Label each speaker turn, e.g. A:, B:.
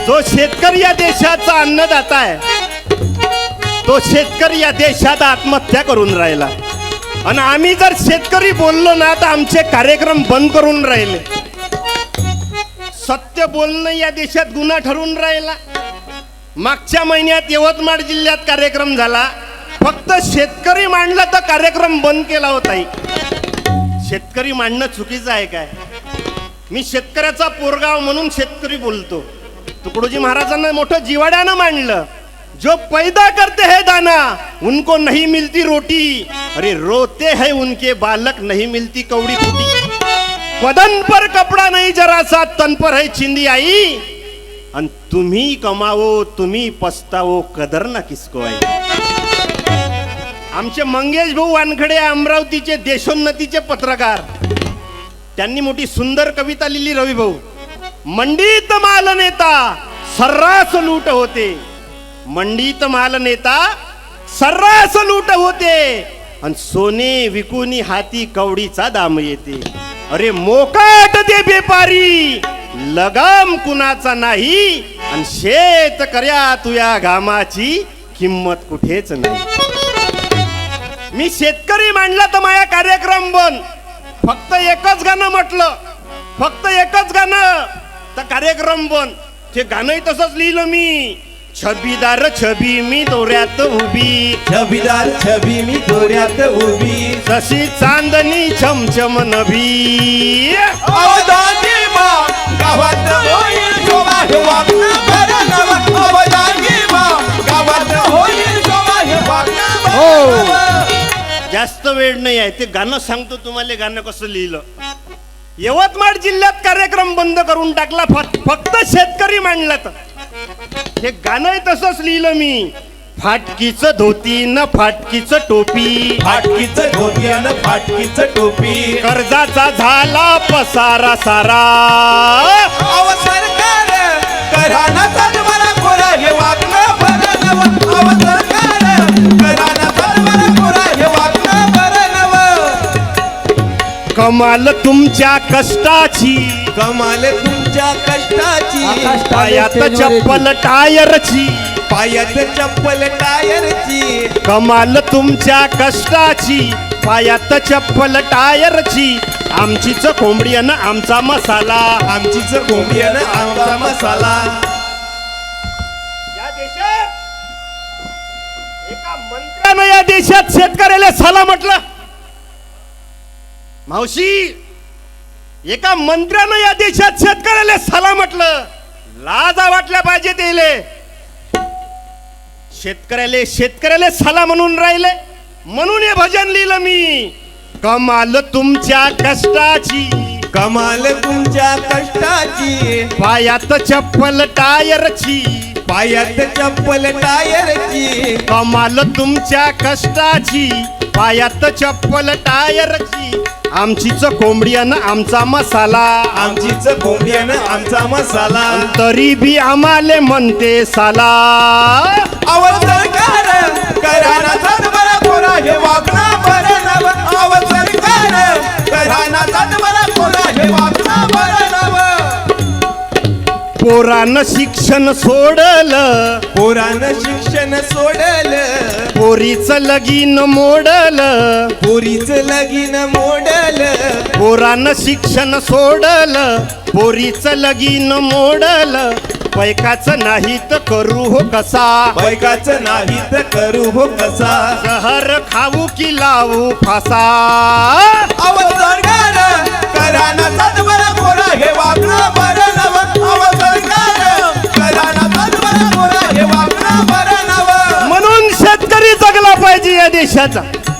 A: जो शेतकरी या देशाचा अन्नदाता आहे, तो शेतकरी या देशात आत्महत्या करून राहिला. आणि आम्ही जर शेतकरी बोललो ना तर आमचे कार्यक्रम बंद करून राहिले. सत्य बोलणं या देशात गुन्हा ठरून राहिला. मागच्या महिन्यात यवतमाळ जिल्ह्यात कार्यक्रम झाला, फक्त शेतकरी मांडला तर कार्यक्रम बंद केला होता. शेतकरी मांडणं चुकीचं आहे काय? मी शेतकऱ्याचा पोरगाव म्हणून शेतकरी बोलतो. तुकडोजी महाराजांना मोठं जिवाड्यानं मांडलं. जो पैदा करते है दाना उनको नहीं मिलती रोटी, अरे रोते हैं उनके बालक नहीं मिलती कौड़ी फूटी. बदन पर कपड़ा नहीं जरा सा तन पर है चिंदी आई, आणि तुम्ही कमावो तुम्ही पस्तावो कदर ना किसको आई. आमचे मंगेश भाऊ वानखडे अमरावतीचे देशोन्नतीचे पत्रकार, त्यांनी मोठी सुंदर कविता लिहिली. रवी भाऊ, मंडीत माल नेता सर्रास लूट होते, मंडीत माल नेता सर्रास लूट होते, आणि सोने विकुनी हाती कवडीचा दाम येते. अरे मोकाट दे बेपारी लगाम कुणाचा नाही, आणि शेतकऱ्या तुया घामाची किंमत कुठेच नाही. मी शेतकरी मांडला तर माझा कार्यक्रम बंद. फक्त एकच गाणं म्हटलं, फक्त एकच गाणं तर कार्यक्रम बंद. ते गाणंही तसंच लिहिलं मी. छबीदार छबी मी दोऱ्यात उभी,
B: छबीदार छबी मी दोऱ्यात उभी,
A: जशी चांदणी चमचम नभी.
B: अवधानी मा गावात होईल शोभा हे वागणं बरं नवं. अवधानी मा गावात होईल शोभा हे वागणं बरं नवं.
A: जास्त वेळ नाही आहे, ते गाणं सांगतो तुम्हाला. गाणं कसं लिहिलं. यवतमाळ जिल्ह्यात कार्यक्रम बंद करून टाकला, फक्त शेतकरी मांडला. तर हे गाणंही तसंच लिहिलं मी. फाटकीचं धोती न फाटकीचं टोपी,
B: फाटकीचं धोती आणि फाटकीचं टोपी,
A: कर्जाचा झाला पसारा सारा.
B: अव सरकार घराणा मला खोरा हे वागणं बरं नवं. अव सरकार घराणा मला खोरा हे वागणं बरं नवं.
A: कमाल तुमच्या कष्टाची,
B: कमाल तुमच्या कष्टाची,
A: पायात चप्पल टायरची,
B: पायात चप्पल टायरची.
A: कमाल तुमच्या कष्टाची, पायात चप्पल टायरची. आमचीच कोंबडी आणि आमचा मसाला,
B: आमचीच कोंबडी आणि आमचा मसाला.
A: या देशात एका मंत्र्यानं या देशात शेतकऱ्याला साला म्हटलं. मावशी, एका मंत्र्यानं या देशात शेतकऱ्याला साला म्हटलं. लाजा वाटल्या पाहिजे तेले. शेतकऱ्याला साला म्हणून राहिले, म्हणून हे भजन लिहिलं मी. कमाल तुमच्या कष्टाची,
B: कमाल तुमच्या कष्टाची,
A: पायात चप्पल टायरची,
B: पायात चप्पल टायरची.
A: कमाल तुमच्या कष्टाची, पायात चप्पल टायरची. आमचीच कोंबडी आणि आमचा मसाला,
B: आमचीच कोंबडी आणि आमचा मसाला.
A: तरी बी आम्हाले म्हणते साला.
B: अव सरकार घराणा मला खोरा हे वागणं बरं नवं. अव सरकार घराणा मला खोरा हे वागणं बरं नवं.
A: पोरानं शिक्षण सोडलं,
B: पोरानं शिक्षण सोडलं,
A: पोरीचं लगीन मोडलं,
B: पोरीचं लगीन मोडलं.
A: पोरानं शिक्षण सोडलं, पोरीचं लगीन मोडलं. पैकाचं नाही तर करू हो कसा,
B: पैकाचं नाही तर करू हो कसा.
A: जहर खाऊ की लावू फासा.
B: अव सरकार घराणा मला खोरा हे वागणं बरं नवं. अव सरकार घराणा मला खोरा हे वागणं बरं नवं.
A: म्हणून शेतकरी जगला पाहिजे या देशाचा.